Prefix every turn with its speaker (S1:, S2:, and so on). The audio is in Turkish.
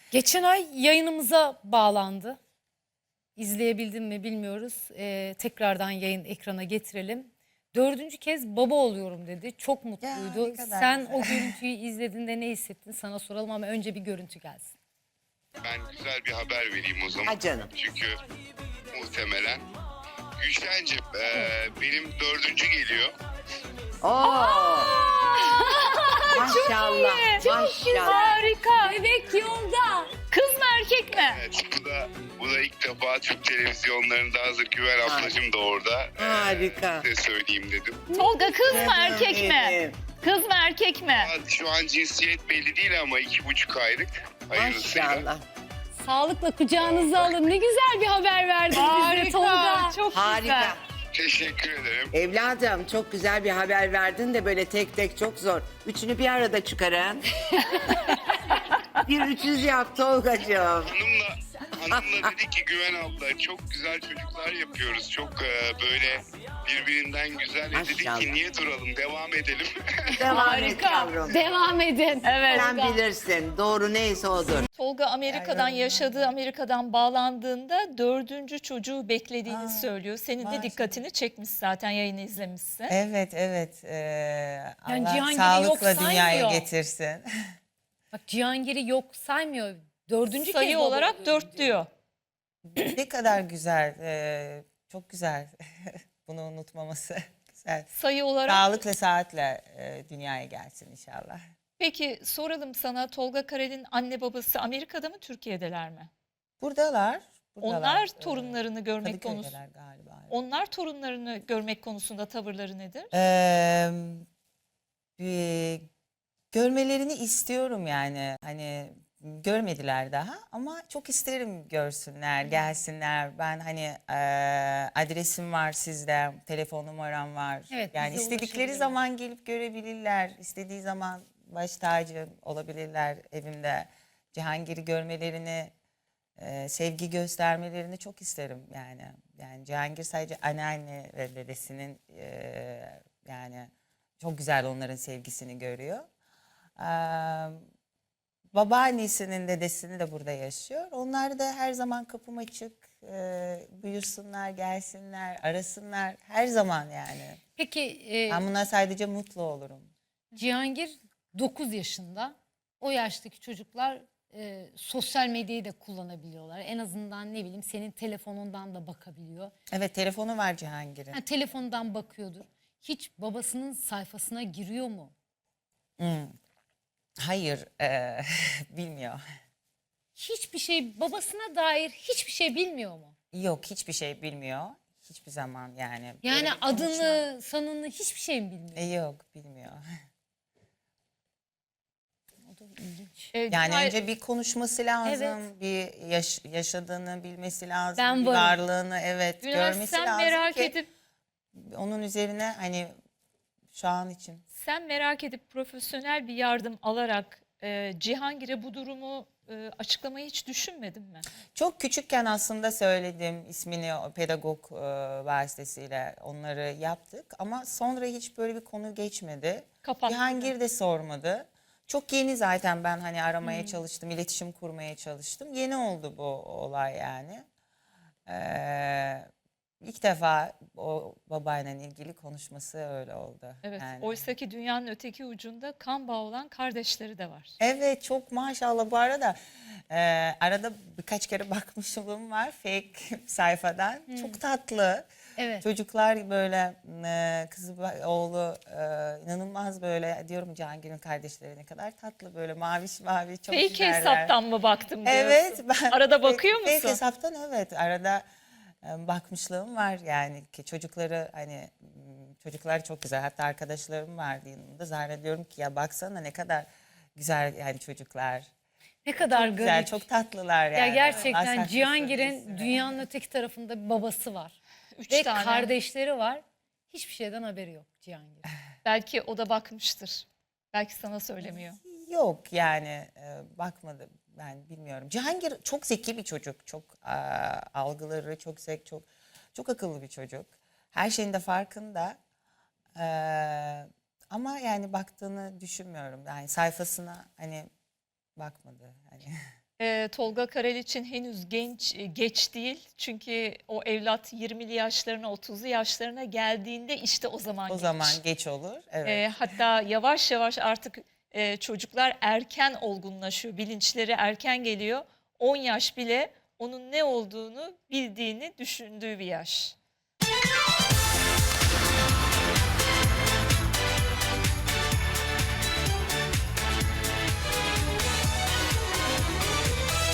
S1: Geçen ay yayınımıza bağlandı. İzleyebildin mi bilmiyoruz. Tekrardan yayın ekrana getirelim. Dördüncü kez baba oluyorum dedi. Çok
S2: Ya
S1: mutluydu.
S2: ne kadar
S1: Sen
S2: güzel.
S1: o görüntüyü izlediğinde ne hissettin? Sana soralım ama önce bir görüntü gelsin.
S3: Ben güzel bir haber vereyim o zaman.
S2: Ha canım.
S3: Çünkü muhtemelen. Gülşen'cim benim dördüncü geliyor.
S2: Oo. Maşallah. Maşallah.
S1: Harika. Bebek yolda. Kız mı erkek mi?
S3: Evet, bu da ilk defa Türk televizyonlarında hazır Güven ablacığım da orada.
S2: Harika.
S3: Size söyleyeyim dedim.
S4: Tolga kız mı erkek mi?
S2: Benim.
S4: Kız mı erkek mi?
S3: Şu an cinsiyet belli değil ama 2,5 aylık. Hayırlısıyla.
S2: Maşallah.
S1: Sağlıkla kucağınıza alın. Ne güzel bir haber verdin bize Tolga.
S4: Çok
S2: Harika.
S4: güzel.
S3: Teşekkür ederim.
S2: Evladım çok güzel bir haber verdin de böyle tek tek çok zor. Üçünü bir arada çıkarın. Bir 300 yap Tolgacığım.
S3: Hanımla dedi ki Güven abla çok güzel çocuklar yapıyoruz. Çok böyle birbirinden güzel. Dedik
S2: Maşallah.
S3: ki niye duralım devam edelim.
S2: Devam et
S4: Harika.
S2: yavrum.
S1: Devam edin.
S4: Evet.
S2: Sen bilirsin. Doğru neyse odur.
S4: Tolga Amerika'dan yaşadığı, Amerika'dan bağlandığında dördüncü çocuğu beklediğini söylüyor. Senin de
S5: maşallah.
S4: dikkatini çekmiş zaten, yayını izlemişsin.
S5: Evet, evet. Allah
S1: Cihangir'i
S5: sağlıkla
S1: yok
S5: dünyaya
S1: saymıyor.
S5: getirsin.
S1: Bak Cihangir'i yok saymıyor. Dördüncü
S4: Sayı
S1: kez baba
S4: olarak
S1: oluyorum
S4: 4 diyor.
S5: Ne kadar güzel, çok güzel. Bunu unutmaması güzel.
S4: Sayı olarak.
S5: Sağlıkla, saatle dünyaya gelsin inşallah.
S4: Peki soralım sana, Tolga Karel'in anne babası Amerika'da mı, Türkiye'deler mi?
S5: Buradalar.
S4: Onlar torunlarını görmek
S5: Kadıköy'deler galiba.
S4: Onlar torunlarını görmek konusunda tavırları nedir?
S5: Bir görmelerini istiyorum yani. Hani görmediler daha ama çok isterim görsünler, gelsinler. Ben hani adresim var sizde, telefon numaram var.
S1: Evet,
S5: Yani
S1: bize
S5: istedikleri
S1: ulaşabilirler.
S5: zaman gelip görebilirler. İstediği zaman baş tacı olabilirler evimde. Cihangir'i görmelerini, sevgi göstermelerini çok isterim yani. Yani Cihangir sadece anneanne ve dedesinin yani çok güzel onların sevgisini görüyor. Babaannesinin dedesini de burada yaşıyor. Onlar da her zaman kapım açık. Buyursunlar, gelsinler, arasınlar. Her zaman yani.
S1: Peki
S5: Ben buna sadece mutlu olurum.
S1: Cihangir 9 yaşında. O yaştaki çocuklar sosyal medyayı da kullanabiliyorlar. En azından ne bileyim senin telefonundan da bakabiliyor.
S5: Evet, telefonu var Cihangir'in.
S1: Ha, telefondan bakıyordur. Hiç babasının sayfasına giriyor mu?
S5: Hayır, bilmiyor.
S1: Hiçbir şey babasına dair hiçbir şey bilmiyor mu?
S5: Yok, hiçbir şey bilmiyor. Hiçbir zaman yani.
S1: Yani
S5: Böyle bir
S1: adını, sanını hiçbir şey mi bilmiyor?
S5: Yok, bilmiyor.
S1: O da ilginç.
S5: Yani önce bir konuşması lazım,
S1: Evet.
S5: bir yaşadığını bilmesi lazım,
S1: Ben
S5: bir
S1: varım.
S5: varlığını evet
S4: Güner,
S5: görmesi
S4: sen
S5: lazım
S4: merak
S5: ki
S4: edip
S5: onun üzerine hani şu an için.
S4: profesyonel bir yardım alarak Cihangir'e bu durumu açıklamayı hiç düşünmedin mi?
S5: Çok küçükken aslında söyledim ismini o pedagog vasıtasıyla onları yaptık ama sonra hiç böyle bir konu geçmedi.
S4: Kapattı.
S5: Cihangir de sormadı. Çok yeni zaten ben hani aramaya çalıştım, iletişim kurmaya çalıştım. Yeni oldu bu olay yani. İlk defa o babayla ilgili konuşması öyle oldu.
S4: Evet.
S5: Yani.
S4: Oysaki dünyanın öteki ucunda kan bağı olan kardeşleri de var.
S5: Evet çok maşallah bu arada arada birkaç kere bakmışlığım var fake sayfadan. Çok tatlı.
S1: Evet.
S5: Çocuklar böyle kızı oğlu inanılmaz böyle diyorum Cihangir'in kardeşleri ne kadar tatlı böyle maviş mavi çok
S4: Fake
S5: güzeller.
S4: hesaptan mı baktım diyorsun?
S5: Evet. Ben
S4: Arada bakıyor
S5: fake
S4: musun?
S5: hesaptan evet arada bakmışlığım var yani ki çocukları hani çocuklar çok güzel hatta arkadaşlarım vardı yanımda zannediyorum ki ya baksana ne kadar güzel yani çocuklar.
S1: Ne kadar
S5: Güzel
S1: garip.
S5: çok tatlılar yani.
S1: Ya
S5: Allah
S1: gerçekten
S5: saklasın
S1: Cihangir'in
S5: iyisini.
S1: dünyanın öteki tarafında bir babası var.
S4: 3
S1: Ve
S4: tane.
S1: kardeşleri var. Hiçbir şeyden haberi yok Cihangir.
S4: Belki o da bakmıştır. Belki sana söylemiyor.
S5: Yok yani bakmadı ben bilmiyorum. Cihangir çok zeki bir çocuk. Çok algıları çok zeki, çok akıllı bir çocuk. Her şeyin de farkında. Ama yani baktığını düşünmüyorum. Yani sayfasına hani bakmadı. Hani
S4: Tolga Karel için henüz geç değil. Çünkü o evlat 20'li yaşlarına 30'lu yaşlarına geldiğinde işte o zaman
S5: O
S4: geç.
S5: zaman geç olur. Evet.
S4: Hatta yavaş yavaş artık çocuklar erken olgunlaşıyor. Bilinçleri erken geliyor. 10 yaş bile onun ne olduğunu bildiğini düşündüğü bir yaş.